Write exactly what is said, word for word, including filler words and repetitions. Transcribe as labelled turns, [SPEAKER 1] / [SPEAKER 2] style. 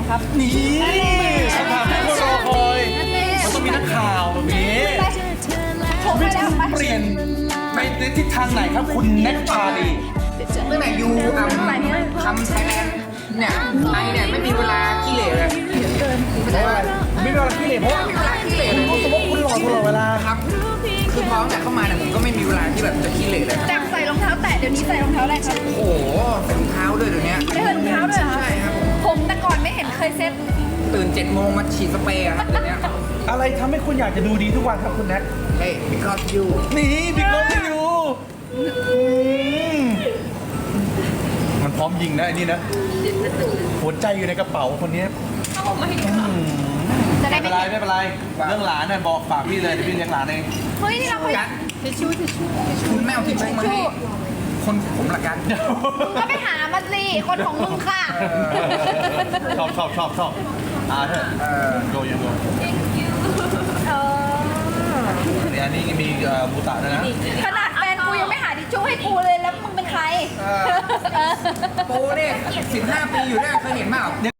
[SPEAKER 1] ครับ
[SPEAKER 2] นี่คำถามที่คนรอคอย มันต้องมีนักข่าวแบบนี้
[SPEAKER 1] ผมไม่ได้ไป
[SPEAKER 2] เปลี่ยนไปในทิศทางไหนครับคุณแน็กชาลี
[SPEAKER 3] ตั้งแต่ยูอัมทำไทยแลนด์เนี่ยไอเนี่ยไม่มีเวลาขี้เหร่เลยไม่ใช่ว่า
[SPEAKER 2] ไม่มีเวลาขี้เหร่เพราะว่า
[SPEAKER 3] ไม่มีเวลาขี้เหร่เลย
[SPEAKER 2] เพราะว่าคุณหล่อตลอดเวลา
[SPEAKER 3] ครับคือพอตั้งแต่เข้ามาเนี่ยผมก็ไม่มีเวลาที่แบบจะขี้เหร่เลยครับ
[SPEAKER 1] จากใส่รองเท้าแตะเดี๋ยวนี้ใส่รองเท้าอะไรครับ
[SPEAKER 3] โอ้โหใส่รองเท้าด้วยเดี๋ยวนี้
[SPEAKER 1] ไม่ใส่รองเท้าด้วยเหรอ
[SPEAKER 3] ใช่ครับผม
[SPEAKER 1] ผมแต่ก่อนไม่เห็นเคยเซ็ต
[SPEAKER 3] ตื่นเจ็ดโมงมาฉีดสเปรย์อะครับเดี๋ยวนี้
[SPEAKER 2] อะไรทำให้คุณอยากจะดูดีทุกวันครับคุณแน็ก
[SPEAKER 3] เฮ้ย because you
[SPEAKER 2] นี่บิ๊กโลที่อยู่มันพร้อมยิงนะไอ้นี่นะ หัวใจอยู่ในกระเป๋าคนนี้
[SPEAKER 1] จะได้
[SPEAKER 2] ไม่
[SPEAKER 1] ไม่
[SPEAKER 2] เป็นไรไม่เป็นไร เรื่องหลานเนี่ยบอกฝากพี่เลยเดี๋ยวพี่เลี้ยงหลานเอง
[SPEAKER 1] เฮ้ยนี่เราเคย
[SPEAKER 3] กันคุณแม่เอาทิชชู่มาให้คนผมละกัน
[SPEAKER 1] ก็ไปหามาสิคนของมึงค่ะ
[SPEAKER 2] ชอบชอบชอบชอบอ่าเถอะ
[SPEAKER 3] เออ
[SPEAKER 2] โยยังโย
[SPEAKER 1] เออ
[SPEAKER 2] เนี่ยอันนี้มีเอ่อบูตะด้วยนะ
[SPEAKER 1] ขนาดแฟนกูยังไม่หาทิชชู่ให้กูเลยแล้วมึงเป็นใคร
[SPEAKER 3] โปเนี่ยสิบห้าปีอยู่ได้เคยเห็นเปล่า